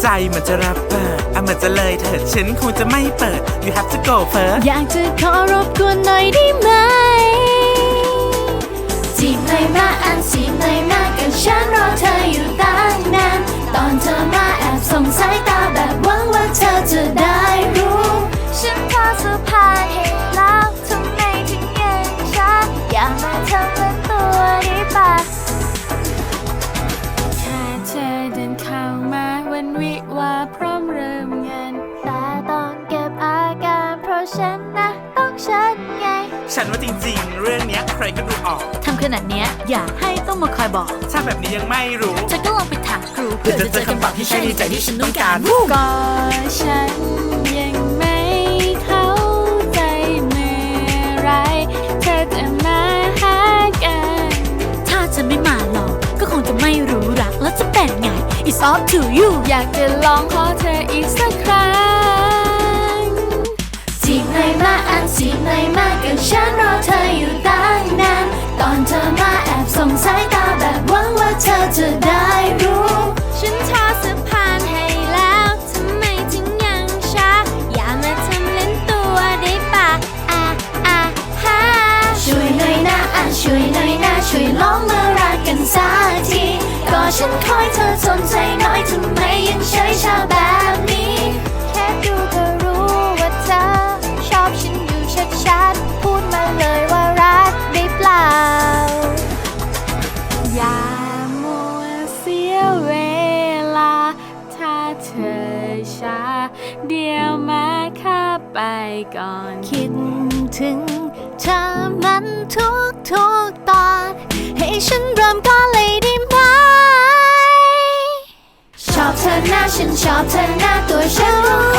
ใจมันจะรับเปิดเหมือนจะเลยเถิดฉันคงจะไม่เปิด You have to go first อยากจะขอรบกวนหน่อยได้ไหมจีบหน่อยมาจีบหน่อยมากันฉันรอเธออยู่ตั้งนานตอนเธอมาแอบส่งสายตาแบบหวังว่าเธอจะได้รู้ฉันพอสะพานให้แล้วทำไมถึงยังช้าอย่ามาทำเป็นตัวได้ปะแค่เธอเดินเข้ามาวันวิวาพร้อมเริ่มงานแต่ต้องเก็บอาการเพราะฉันนะต้องฉันไงฉันว่าจริงๆเรื่องเนี้ยใครก็ดูออกทำขนาดเนี้ยอย่าให้ต้องมาคอยบอกถ้าแบบนี้ยังไม่รู้เธอก็ลองไปถามครูเพื่อจะเจอคำตอบที่ใช่ในใจที่ฉันต้องการก็ฉันยังไม่เข้าใจเมื่อไรเธอจะมาหากันถ้าจะไม่มาหรอกก็คงจะไม่รู้รักแล้วจะเป็นไง It's up to you อยากจะลองขอเธออีกสักครั้งจีบหน่อยมาจีบหน่อยมากันฉันรอเธออยู่ตั้งนานตอนเธอมาแอบส่งสายตาแบบหวังว่าเธอจะได้รู้ฉันทอสะพานให้แล้วทำไมถึงยังช้าอย่ามาทำเล่นตัวได้ปะฮะช่วยหน่อยนะช่วยหน่อยนะช่วยลองมารักกันสักทีก็ฉันคอยเธอสนใจน้อยทำไมยังเฉยชาแบบนี้แค่ดูก็รู้ว่าเธอชอบฉันอยู่ชัดๆพูดมาเลยว่ารักได้เปล่าอย่ามัวเสียเวลาถ้าเธอช้าเดี๋ยวมาข้าไปก่อนคิดถึงเธอมันทุกตอนให้ฉันเริ่มก่อนเลยได้ไหมชอบเธอหน้าฉันชอบเธอหน้าตัวฉันรู้